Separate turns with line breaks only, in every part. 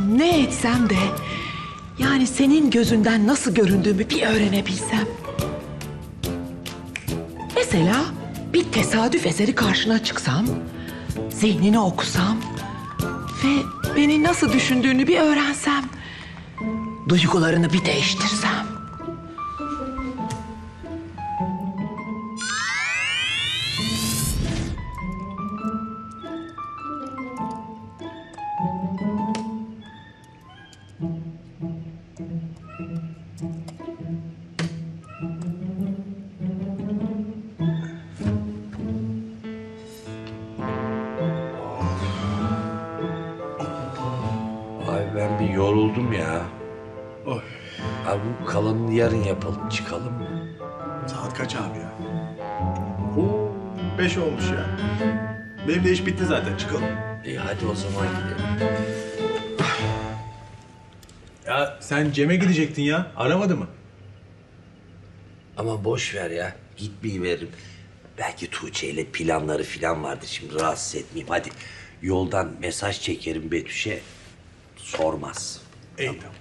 yapsam, ne etsem de... yani senin gözünden nasıl göründüğümü bir öğrenebilsem. Mesela bir tesadüf eseri karşına çıksam, zihnini okusam ve beni nasıl düşündüğünü bir öğrensem, duygularını bir değiştirsem.
Ay ben bir yoruldum ya.
Oy.
Abi bu kalanını yarın yapalım, çıkalım mı?
Saat kaç abi ya? 5 olmuş ya. Benim de iş bitti zaten, çıkalım.
İyi hadi o zaman gidelim.
Ya sen Cem'e gidecektin ya, aramadı mı?
Ama boş ver ya, gitmeyiverim. Belki Tuğçe ile planları falan vardı, şimdi rahatsız etmeyeyim. Hadi yoldan mesaj çekerim Betüş'e, sormaz.
İyi tamam.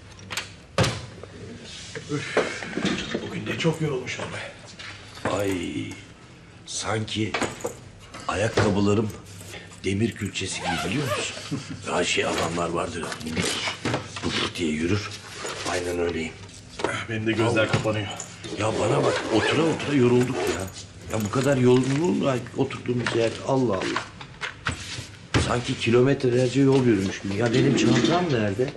Üf, bugün de çok yorulmuşum be.
Ay sanki ayakkabılarım demir külçesi gibi, biliyor musun? Ya adamlar vardır, minik bık diye yürür. Aynen öyleyim.
Benim de gözler kapanıyor.
Ya bana bak, otura otura yorulduk ya. Ya bu kadar yorulur mu oturduğumuz yer? Allah Allah. Sanki kilometrelerce yol yürümüş gibi. Ya benim çantam nerede?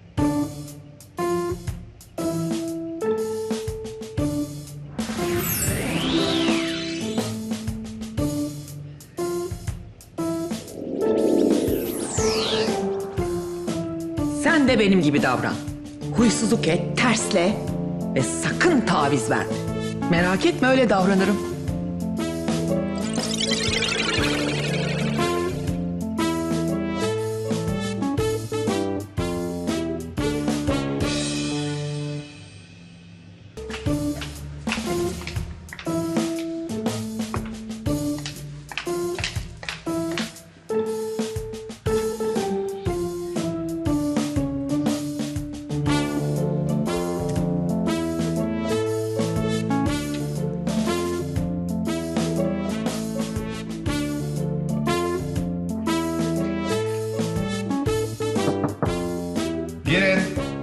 Sen de benim gibi davran. Huysuzluk et, tersle ve sakın taviz verme. Merak etme, öyle davranırım.
Girin.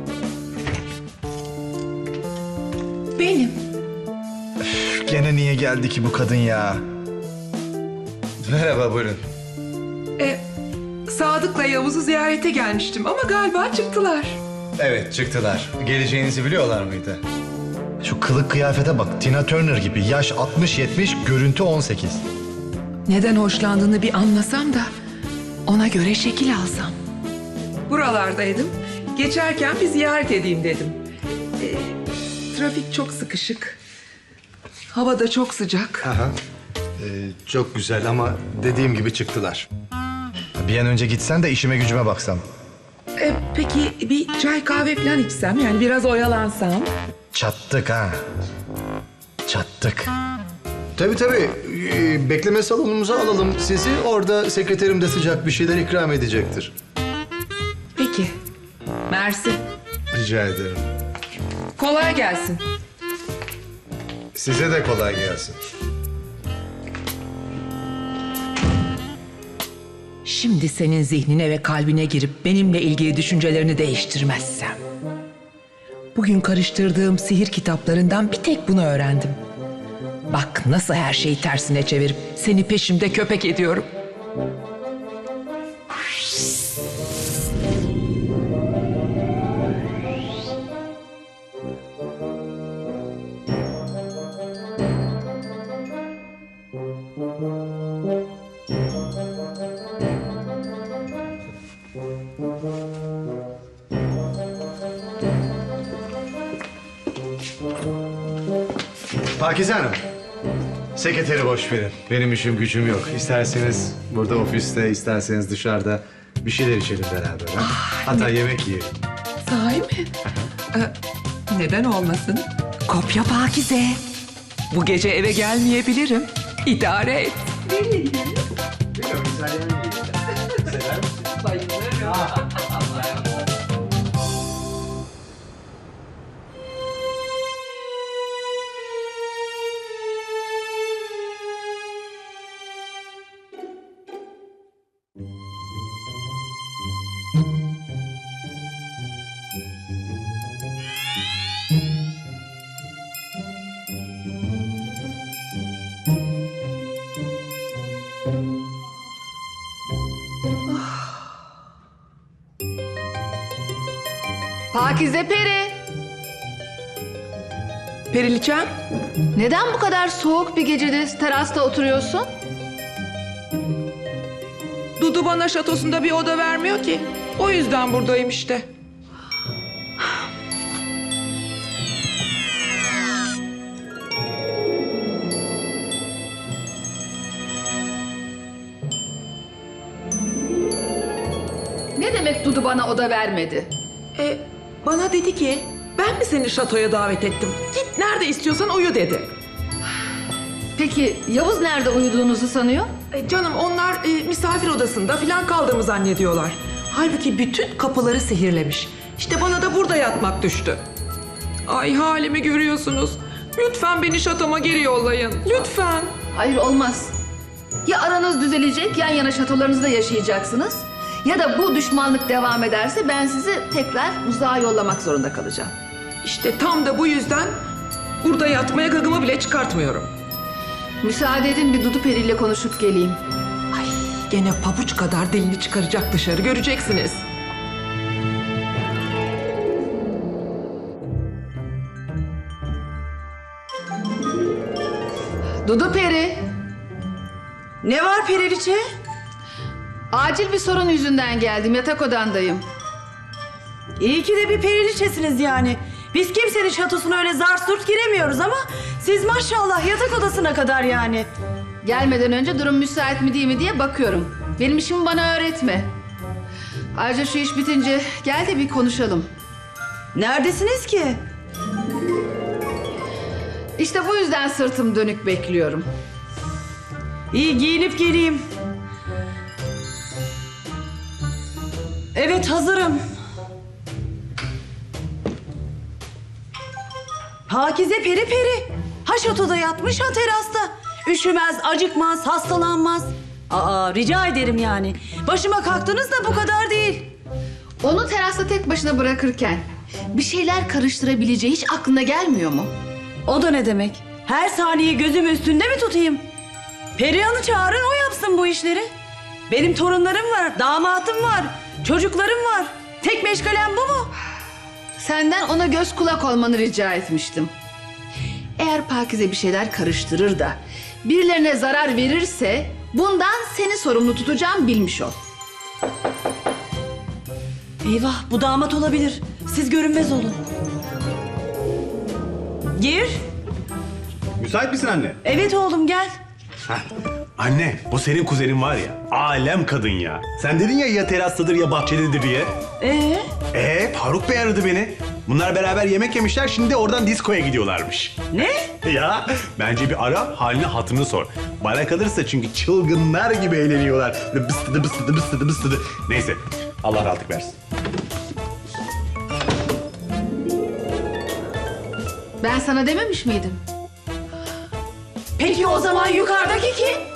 Benim.
Gene niye geldi ki bu kadın ya? Merhaba, buyurun.
Sadık'la Yavuz'u ziyarete gelmiştim ama galiba çıktılar.
Evet, çıktılar. Geleceğinizi biliyorlar mıydı? Şu kılık kıyafete bak, Tina Turner gibi. Yaş 60-70, görüntü 18.
Neden hoşlandığını bir anlasam da ona göre şekil alsam. Buralardaydım. Geçerken bir ziyaret edeyim dedim. Trafik çok sıkışık. Hava da çok sıcak.
Aha. Çok güzel ama dediğim gibi çıktılar. Bir an önce gitsen de işime gücüme baksam.
Peki bir çay kahve falan içsem, yani biraz oyalansam.
Çattık ha. Çattık. Tabii tabii. Bekleme salonumuza alalım sizi. Orada sekreterim de sıcak bir şeyler ikram edecektir.
Peki. Mersi.
Rica ederim.
Kolay gelsin.
Size de kolay gelsin.
Şimdi senin zihnine ve kalbine girip benimle ilgili düşüncelerini değiştirmezsem. Bugün karıştırdığım sihir kitaplarından bir tek bunu öğrendim. Bak nasıl her şeyi tersine çevirip seni peşimde köpek ediyorum.
Pakize Hanım. Sekreteri boş verin. Benim işim gücüm yok. İsterseniz burada ofiste, isterseniz dışarıda bir şeyler içelim beraber. Ha? Hatta yemek yiyelim.
Sahi mi? Neden olmasın? Kopya Pakize. Bu gece eve gelmeyebilirim. İdare et. Nereye gidelim? Bilmiyorum, İtalya'ya gidelim. Sever misin? Bayılırım.
Pakize Peri.
Periliçem,
Neden bu kadar soğuk bir gecede terasta oturuyorsun?
Dudu bana şatosunda bir oda vermiyor ki. O yüzden buradayım işte.
Ne demek Dudu bana oda vermedi?
Bana dedi ki, ben mi seni şatoya davet ettim? Git nerede istiyorsan uyu dedi.
Peki Yavuz nerede uyuduğunuzu sanıyor?
Canım onlar misafir odasında falan kaldığımı zannediyorlar. Halbuki bütün kapıları sihirlemiş. İşte bana da burada yatmak düştü. Ay halimi görüyorsunuz. Lütfen beni şatoma geri yollayın. Lütfen.
Hayır olmaz. Ya aranız düzelecek, yan yana şatolarınızda yaşayacaksınız. Ya da bu düşmanlık devam ederse ben sizi tekrar uzağa yollamak zorunda kalacağım.
İşte tam da bu yüzden burada yatmaya gagımı bile çıkartmıyorum.
Müsaade edin bir Dudu Peri ile konuşup geleyim.
Ay gene pabuç kadar dilini çıkaracak dışarı göreceksiniz.
Dudu Peri,
Ne var Periliçe?
acil bir sorun yüzünden geldim. Yatak odandayım.
İyi ki de bir periliçesiniz yani. Biz kimsenin şatosuna öyle zar surt giremiyoruz ama siz maşallah yatak odasına kadar yani.
Gelmeden önce durum müsait mi değil mi diye bakıyorum. Benim işimi bana öğretme. Ayrıca şu iş bitince gel de bir konuşalım.
Neredesiniz ki?
İşte bu yüzden sırtım dönük bekliyorum.
İyi giyinip geleyim. Evet hazırım. Pakize peri peri. Ha şatoda yatmış ha terasta. Üşümez, acıkmaz, hastalanmaz. Aa rica ederim yani. Başıma kalktınız da bu kadar değil.
Onu terasta tek başına bırakırken bir şeyler karıştırabileceği hiç aklına gelmiyor mu?
O da ne demek? Her saniye gözüm üstünde mi tutayım? Perihan'ı çağırın o yapsın bu işleri. Benim torunlarım var, damatım var, çocuklarım var. Tek meşgalem bu mu?
Senden ona göz kulak olmanı rica etmiştim. Eğer Pakize bir şeyler karıştırır da birilerine zarar verirse bundan seni sorumlu tutacağım, bilmiş ol.
Eyvah bu damat olabilir. Siz görünmez olun. Gir.
Müsait misin anne?
Evet oğlum gel.
Heh. Anne, bu senin kuzenin var ya, alem kadın ya. Sen dedin ya terastadır ya bahçededir diye. Faruk Bey aradı beni. Bunlar beraber yemek yemişler, şimdi de oradan diskoya gidiyorlarmış.
Ne?
Ya, bence bir ara, halini hatırını sor. Bana kalırsa çünkü çılgınlar gibi eğleniyorlar. Böyle bıstıdı bıstıdı bıstıdı bıstıdı. Neyse, Allah rahatlık versin.
Ben sana dememiş miydim?
Peki o zaman yukarıdaki kim?